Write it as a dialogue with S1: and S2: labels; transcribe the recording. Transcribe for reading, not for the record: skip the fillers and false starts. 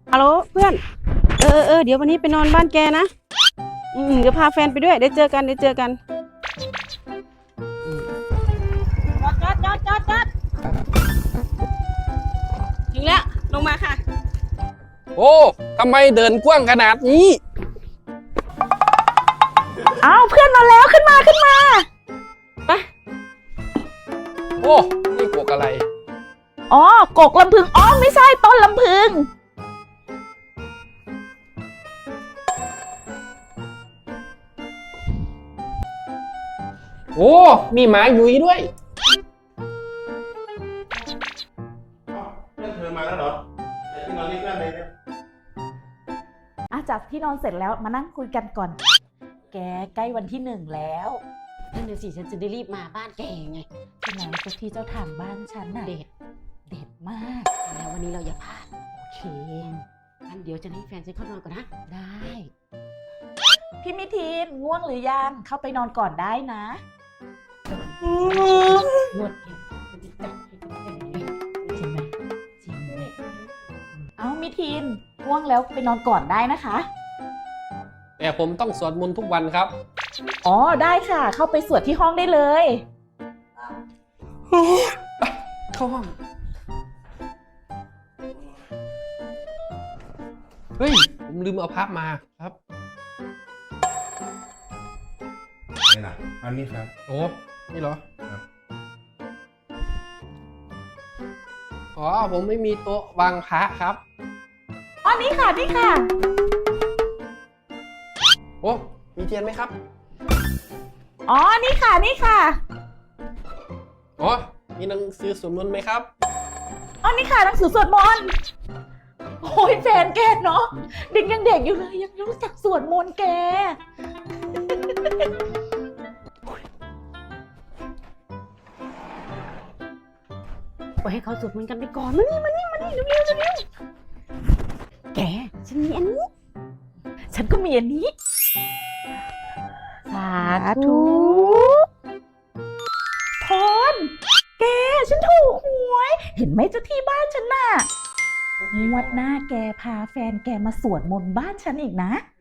S1: ฮัลโหลเพื่อนเดี๋ยววันนี้ไปนอนบ้านแกนะเดี๋ยวพาแฟนไปด้วยได้เจอกันจอดถึงแล้วลงมาค่ะ
S2: โอ้ทำไมเดินกว้างขนาดนี้
S3: อ้าวเพื่อนมาแล้วขึ้นมา
S1: ไป
S2: โอ้นี่กวกอะไร
S3: อ๋อกกลำพึงอ๋อไม่ใช่ต้นลำพึง
S2: โอ้มีหมาหยุยด้วย
S4: เพื่อนเธอมาแล้วเหรอที่นอนนี่เพื่อนเลยเนี่ย
S3: จากที่นอนเสร็จแล้วมานั่งคุยกันก่อนแกใกล้วันที่1แล้ว
S1: นั่นเดี๋ยวสิฉันจะได้รีบมาบ้านแกไง
S3: ที่ไหนเจ้าที่เจ้าทางบ้านฉันน่ะเด็ดมาก
S1: แล้ววันนี้เราอย่าพลาด
S3: โอเค
S1: งั้นเดี๋ยวจะให้แฟนฉันเข้านอนก่อนนะ
S3: ได้พี่มิทีนง่วงหรือยังเข้าไปนอนก่อนได้นะ
S1: นวดเองจะติดจับให้เป็นแฟนเลย
S3: จริงไหมเอามิทีนง่วงแล้วไปนอนก่อนได้นะคะ
S2: แต่ผมต้องสวดมนต์ทุกวันครับ
S3: อ๋อได้ค่ะเข้าไปสวดที่ห้องได้เลย
S2: เข้าห้องเฮ้ยผมลืมเอาพับมาครับ
S4: นี่นะอันนี้ครับ
S2: โอ้นี่เหรอ
S4: ครับ
S2: อ๋อผมไม่มีโต๊ะวางพระครับ
S3: อ๋อนี่ค่ะ
S2: โอ้มีเทียนไหมครับ
S3: อ๋อนี่ค่ะ
S2: อ๋อมีหนังสือสวดมนต์ไหมครับ
S3: อ๋อนี่ค่ะหนังสือสวดมนต์โอ้ยแฟนแกเนาะเด็กยังเด็กอยู่เลยยังรู้จักสวดมนต์แก
S1: ปล่อยให้เขาสวดมนต์กันไปก่อนมานี่เร็วแกฉันมีอันนี้
S3: ฉันก็มีอันนี้สาธุพรแกฉันถูกหวยเห็นไหมเจ้าที่บ้านฉันน่ะงวดหน้าแกพาแฟนแกมาสวดมนต์บ้านฉันอีกนะ